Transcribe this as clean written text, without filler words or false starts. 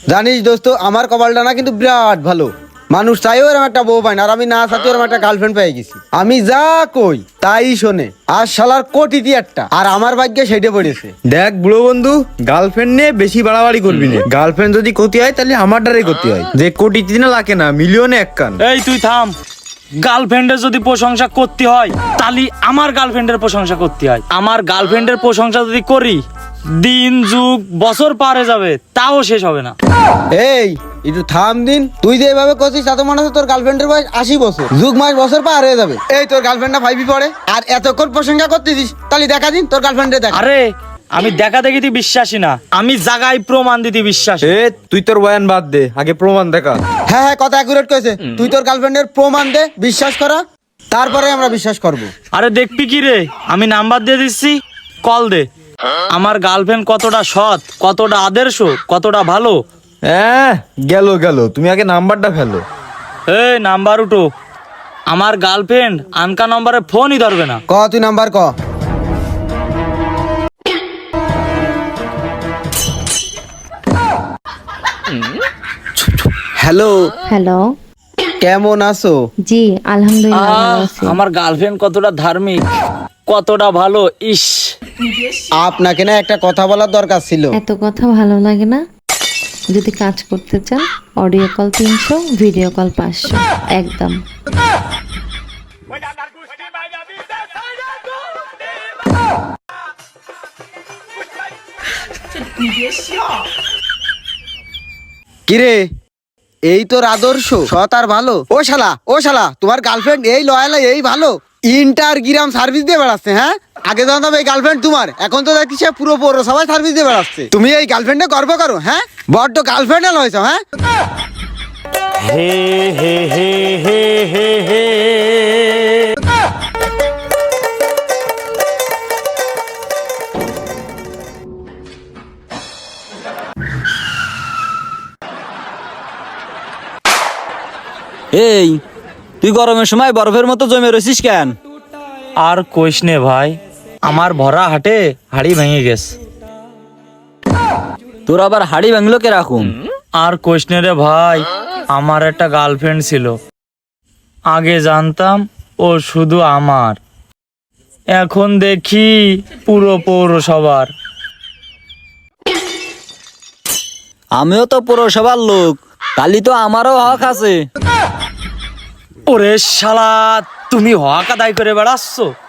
জানিস দোস্ত, আমার কপালটা না কিন্তু বিরাট ভালো। মানুষ চাইও এরকম একটা বউ পায় না, আর আমি না চাইতেও এরকম একটা গার্লফ্রেন্ড পেয়ে গেছি। আমি যা কই তাই শোনে, আর শালার কোটিটি একটা, আর আমার ভাগ্যে সেটে পড়েছে। দেখ বুড়ো বন্ধু, গার্লফ্রেন্ড নিয়ে বেশি বাড়াবাড়ি করবি না। গার্লফ্রেন্ড যদি ক্ষতি হয় তাহলে আমার দ্বারাই ক্ষতি হয়, যে কোটি না লাখে না মিলিয়নে এক কান। এই তুই থাম। গার্লফ্রেন্ডের যদি প্রশংসা করতে হয় তাহলে আমার গার্লফ্রেন্ডের প্রশংসা করতে হয়। আমার গার্লফ্রেন্ডের প্রশংসা যদি করি, দিন যুগ বছর পারে যাবে তাও শেষ হবে না। এই একটু থাম দিন, তুই যে এভাবে করছিস তাতে মনে হচ্ছে তোর গার্লফ্রেন্ডের বয়স 80 বছর, যুগ মাস বছর পার হয়ে যাবে। এই তোর গার্লফ্রেন্ডটা ফাইভি পড়ে আর এতক্ষণ প্রশংসা করতেছিস, তাহলে দেখা দিন তোর গার্লফ্রেন্ডে দেখা। আরে আমি দেখা দেখিতে বিশ্বাসী না, আমি জায়গায় প্রমাণ দিতে বিশ্বাসী। এ তুই তোর বয়ান বাদ দে, আগে প্রমাণ দেখা। হ্যাঁ হ্যাঁ, কথা অ্যাকুরেট করেছে। তুই তোর গার্লফ্রেন্ডের প্রমাণ দে, বিশ্বাস করা, তারপরে আমরা বিশ্বাস করব। আরে দেখবি কি রে, আমি নাম্বার দিয়ে দিচ্ছি, কল দে। আমার গার্লফ্রেন্ড কতটা সৎ, কতটা আদর্শ, কতটা ভালো। হ্যাঁ গেল গেল, তুমি আগে নাম্বারটা ফেলো। এই নাম্বার উঠো। আমার গার্লফ্রেন্ড আনকা নম্বরে ফোনই ধরবে না। ক তুই নাম্বার ক। হ্যালো, হ্যালো, কেমন আছো? জি আলহামদুলিল্লাহ ভালো আহ, আছি। আমার গার্লফ্রেন্ড কতটা ধার্মিক, কতটা ভালো। ইস, আপনাকে না একটা কথা বলার দরকার ছিল। এত কথা ভালো লাগে না। যদি কাজ করতে চান অডিও কল 300, ভিডিও কল 500 একদম। কিরে, এই তোর আদর্শ, সৎ আর ভালো। ও শালা তোমার গার্লফ্রেন্ড এই লয়াল, এই ভালো, ইন্টারগ্রাম সার্ভিস দিয়ে বেড়াচ্ছে। হ্যাঁ, আগে জানতাম এই গার্লফ্রেন্ড তোমার, এখন তো দেখছি সে পুরো পৌরসভায় সার্ভিস দিয়ে বেড়াচ্ছে। তুমি এই গার্লফ্রেন্ডে গর্ব করো? হ্যাঁ, বড্ড গার্লফ্রেন্ড হয়েছ। হ্যাঁ, হে হে হে হে হে হে। এই তুই গরমের সময় বরফের মতো জমে রয়েছিস কেন? আর কইস নে ভাই, আমার ভরা হাটে হাড়ি ভেঙে গেছে। তোর আবার হাড়ি ভাঙলো কে রাখুন? আর কইস নে রে ভাই, আমার একটা গার্লফ্রেন্ড ছিল। আগে জানতাম ও শুধু আমার, এখন দেখি পুরো পৌরসভার। আমিও তো পৌরসভার লোক, কালি তো আমারও হক আছে। ওরে শালা, তুমি হক আদায় করে বেড়াচ্ছ।